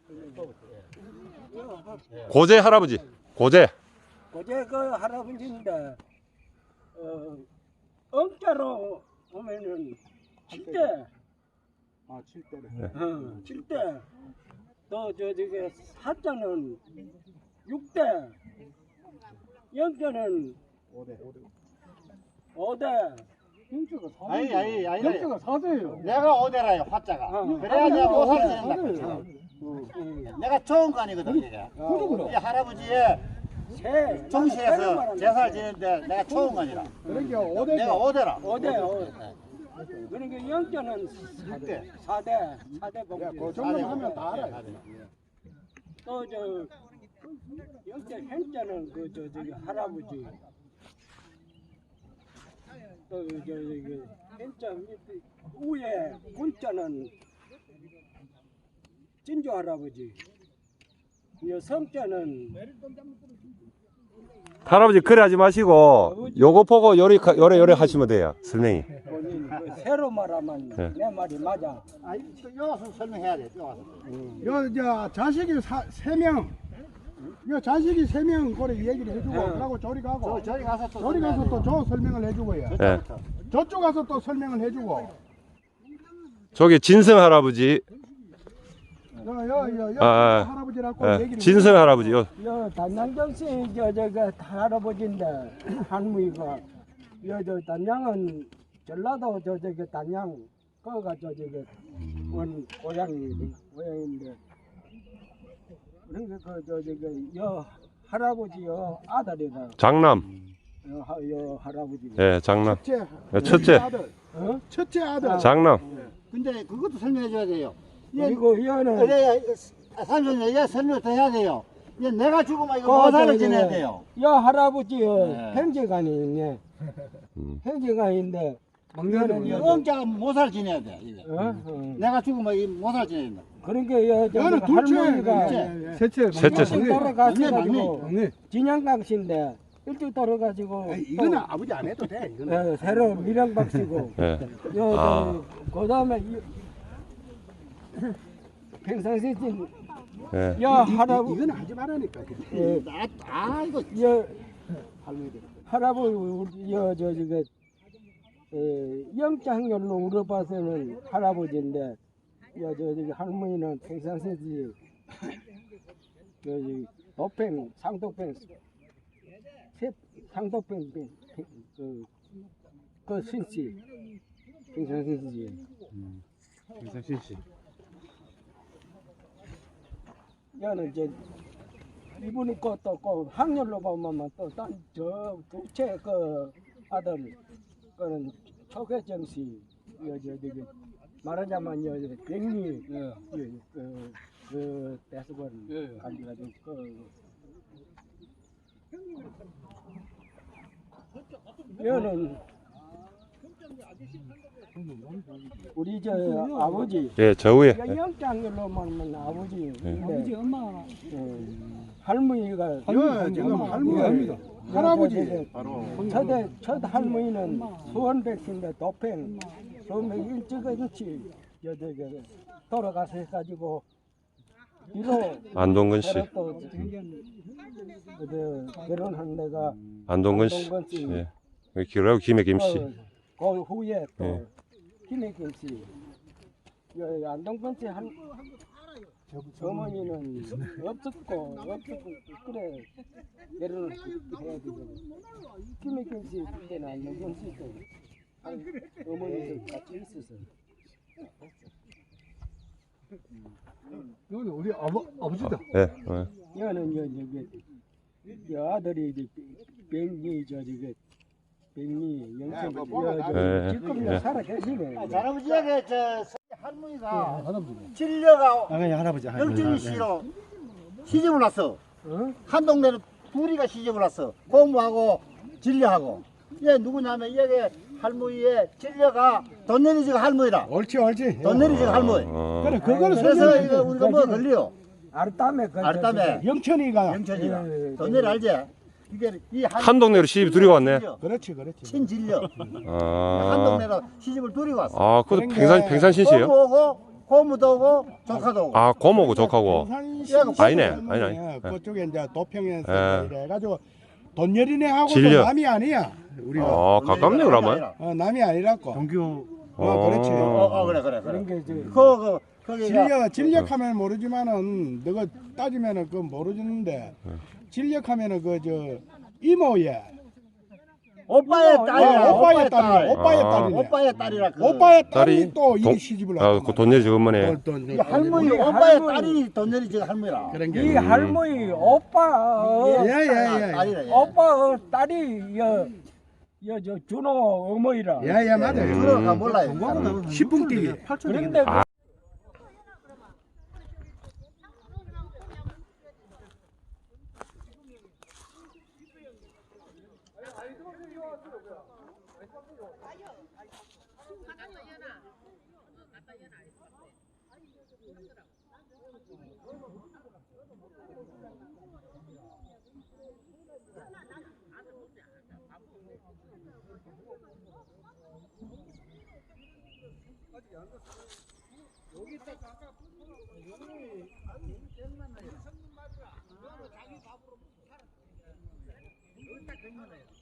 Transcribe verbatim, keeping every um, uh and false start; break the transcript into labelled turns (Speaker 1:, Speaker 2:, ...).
Speaker 1: 고제 할아버지. 고제.
Speaker 2: 고제 그 할아버지인데 어 엄자로 보면은 칠 대.
Speaker 3: 아, 칠 대네.
Speaker 2: 어, 칠 대. 또 저 저기 사자는 육 대. 영자는
Speaker 3: 오 대.
Speaker 2: 오 대.
Speaker 3: 영자가 사 대.
Speaker 4: 아니 아니 아니.
Speaker 3: 영자가 사 대예요.
Speaker 4: 내가 오 대라요 화자가.
Speaker 2: 어.
Speaker 4: 그래야 내가
Speaker 3: 오
Speaker 4: 오살
Speaker 3: 대.
Speaker 4: 된다.
Speaker 2: 음.
Speaker 4: 내가 좋은 거 아니거든 이게.
Speaker 3: 그러구나.
Speaker 4: 이 할아버지의
Speaker 2: 새.
Speaker 4: 정시에서 제사를 지내는데 내가 좋은 거 아니라.
Speaker 3: 그러니까 오 대가
Speaker 4: 내가 오 대라.
Speaker 2: 오 대. 오 대. 그러니까 영자는 사 대. 사 대. 사 대 봉지.
Speaker 3: 야, 그 정도만 하면 다 알아요.
Speaker 2: 또 저 영자 현자는 그 저 저기 할아버지. 또 저 저기 현자 밑에 위에 군자는 진주 할아버지. 이 성자는
Speaker 1: 할아버지 그래 하지 마시고 요거 보고 요리 요래 요래 하시면 돼요. 설명이.
Speaker 2: 본인 그 새로 말하면
Speaker 1: 네.
Speaker 2: 내 말이 맞아.
Speaker 4: 아, 여 와서 설명해야 돼. 여 와서.
Speaker 3: 요, 저, 자식이 사, 세 명. 요 자식이 세 명, 그래, 얘기를 해주고,
Speaker 2: 네.
Speaker 3: 그러고 저리 가고.
Speaker 4: 저 저리 가서 또
Speaker 3: 저리 가서 또 저 설명을 해주고요.
Speaker 1: 예.
Speaker 3: 저쪽 가서 또 설명을 해주고.
Speaker 1: 저기 진성 할아버지.
Speaker 3: 요, 요, 요, 요,
Speaker 1: 아, 아.
Speaker 3: 할아버지라고
Speaker 1: 예.
Speaker 3: 얘기를
Speaker 1: 진성 할아버지. 요.
Speaker 2: 여 단양정 씨 저저그 할아버지인데 할머니가 여저 단양은 전라도 저 저기 단양 거가 저 저기 원 고향이 고향인데 그러니까 그저 저기 여 할아버지요 아들이다.
Speaker 1: 장남.
Speaker 2: 여, 하, 여 할아버지.
Speaker 1: 예, 장남.
Speaker 3: 첫째.
Speaker 1: 예, 첫째.
Speaker 3: 아들.
Speaker 2: 어?
Speaker 3: 첫째 아들.
Speaker 1: 장남.
Speaker 4: 근데 그것도 설명해 줘야 돼요.
Speaker 2: 그리고 여는
Speaker 4: 그래야 삼촌이 얘 설명 더 해야 돼요. 얘 내가 죽으면 이거
Speaker 2: 그
Speaker 4: 모사를
Speaker 2: 저기
Speaker 4: 지내야 돼요.
Speaker 2: 여 할아버지요
Speaker 4: 네.
Speaker 2: 형제간이 있네.
Speaker 1: 음.
Speaker 2: 형제간인데
Speaker 4: 막내는 이 엄자가 모사를 지내야 돼. 이게.
Speaker 2: 어? 어.
Speaker 4: 내가 죽으면 이 모사를 지내야 된다.
Speaker 2: 그러니까 여 저,
Speaker 3: 여는
Speaker 2: 저
Speaker 3: 둘째.
Speaker 2: 할머니가
Speaker 3: 예, 예. 셋째.
Speaker 1: 셋째.
Speaker 2: 일찍 돌아가셔가지고
Speaker 3: 막내.
Speaker 2: 진양강 씨인데 일찍 돌아가지고
Speaker 3: 에이, 이거는 아버지 안 해도 돼.
Speaker 2: 또,
Speaker 3: 이거는.
Speaker 2: 예, 새로 밀양박 씨고
Speaker 1: 예.
Speaker 2: 여,
Speaker 1: 아.
Speaker 2: 저, 그 다음에 평상시
Speaker 1: 예.
Speaker 2: 여
Speaker 3: 이- 이-
Speaker 2: 할아버지
Speaker 3: 이거는 하지 말라니까.
Speaker 2: 예,
Speaker 4: 아, 아 이거
Speaker 2: 여
Speaker 3: 할머니들.
Speaker 2: 할아버지 우리 여저 저기 에, 영장열로 울어봐서는 할아버지인데 여 저 저기 할머니는 평상시 저기 도팽 상도팽 세 상도팽 그, 그 신씨 평상시
Speaker 3: 김상신 씨.
Speaker 2: 여는 이제 이분이 또또그 학렬로 보면 또저 두채 그 아들 그는 초계정 씨, 여저 저기 말하자면 여 백리 그 그 대수건 가지가지고 그 여는 우리 저 아버지
Speaker 1: 예, 저 위에. 예.
Speaker 2: 영장열로 보면 아버지
Speaker 3: 아버지, 엄마.
Speaker 2: 할머니가
Speaker 3: 요, 지금 할머니입니다. 할아버지.
Speaker 2: 바로 첫대 첫 할머니는 수원백신데 도팽 그러면 일찍일찍 여기 돌아가서 해가지고 뒤로
Speaker 1: 안동근 씨.
Speaker 2: 또 그 결혼한 데가
Speaker 1: 안동근 씨.
Speaker 2: 안동근 씨.
Speaker 1: 예. 그리고 김혜김 씨.
Speaker 2: 그, 그 후에 또
Speaker 1: 예.
Speaker 2: 김혜kim 씨, 여 안동근 씨 한 어머니는 없었고 없었고 그래 결혼을 해야 되고 김혜kim 씨 그때는 안동근 씨도 어머니도 같이 있었어.
Speaker 3: 여기 우리 아버, 아버지다.
Speaker 1: 예. 예.
Speaker 2: 여는 여 저기 여 아들이 이제 백리 저 저기 백리 영천
Speaker 1: 예, 예.
Speaker 2: 지금
Speaker 1: 예.
Speaker 2: 살아 계시네.
Speaker 4: 할아버지에게 저 할머니가
Speaker 3: 할아버지.
Speaker 4: 진려가
Speaker 3: 아, 할아버지.
Speaker 4: 영준이 씨로 시집을 왔어.
Speaker 2: 어?
Speaker 4: 한 동네로 둘이가 시집을 왔어. 고모하고 진려하고. 얘 누구냐면 얘게 할머니의 진려가 돈 내리지가 할머니라.
Speaker 3: 옳지, 옳지.
Speaker 4: 돈 내리지가 할머니.
Speaker 1: 어.
Speaker 3: 그래, 그거는
Speaker 4: 그래서
Speaker 3: 설명해.
Speaker 4: 이거 우리가 뭐 걸려?
Speaker 2: 아르따메 그
Speaker 4: 아르따메.
Speaker 3: 영천이가.
Speaker 4: 영천이가.
Speaker 2: 예, 예,
Speaker 4: 돈 내리 알지? 이게 이
Speaker 1: 한 동네로 시집 들이고 왔네.
Speaker 3: 그렇지, 그렇지.
Speaker 4: 친진려. 한
Speaker 1: 아.
Speaker 4: 동네로 시집을 들이고 왔어.
Speaker 1: 아, 그것도 팽산 팽산 신씨예요?
Speaker 4: 고모하고 고모도 오고 조카도 오고.
Speaker 1: 아, 고모고 조카고.
Speaker 3: 용산시에서
Speaker 1: 아니네,
Speaker 3: 하면은
Speaker 1: 아니네, 아니네.
Speaker 3: 그쪽에 이제 도평에서
Speaker 1: 예.
Speaker 3: 이래가지고 돈여리네하고
Speaker 1: 진려.
Speaker 3: 남이 아니야. 우리가
Speaker 1: 아, 가깝네 그러면.
Speaker 3: 어, 남이 아니라고.
Speaker 2: 동교
Speaker 3: 어, 그렇지.
Speaker 4: 어, 어, 그래, 그래, 그래.
Speaker 2: 그런 게 이제
Speaker 4: 그, 그, 거기가
Speaker 3: 진력 진력하면 모르지만은 너가 따지면은 그 모르는데 진력하면은 그 저 이모예
Speaker 4: 오빠의 딸이야.
Speaker 3: 오빠의 딸이 오빠의
Speaker 1: 아.
Speaker 3: 딸이네.
Speaker 4: 오빠의 딸이라 그.
Speaker 3: 오빠의 딸이
Speaker 1: 딸이
Speaker 3: 또
Speaker 1: 동-
Speaker 3: 이 시집을
Speaker 1: 아,
Speaker 3: 왔단
Speaker 1: 그 돈내지 어머니.
Speaker 3: 말이야. 또- 또-
Speaker 4: 이
Speaker 3: 또-
Speaker 4: 할머니
Speaker 2: 우리
Speaker 4: 오빠의
Speaker 2: 할머니.
Speaker 4: 딸이 돈내리 지금 할머니라.
Speaker 3: 그런
Speaker 2: 이
Speaker 3: 게.
Speaker 2: 할머니 오빠 어,
Speaker 3: 예예예.
Speaker 4: 딸이라. 얘.
Speaker 2: 오빠 어, 딸이 여여저 준호 어머니라.
Speaker 3: 예예 맞아요.
Speaker 4: 그러가 몰라요.
Speaker 3: 십분 뛰기.
Speaker 2: 그런데 그
Speaker 1: 아.
Speaker 3: 여기 딱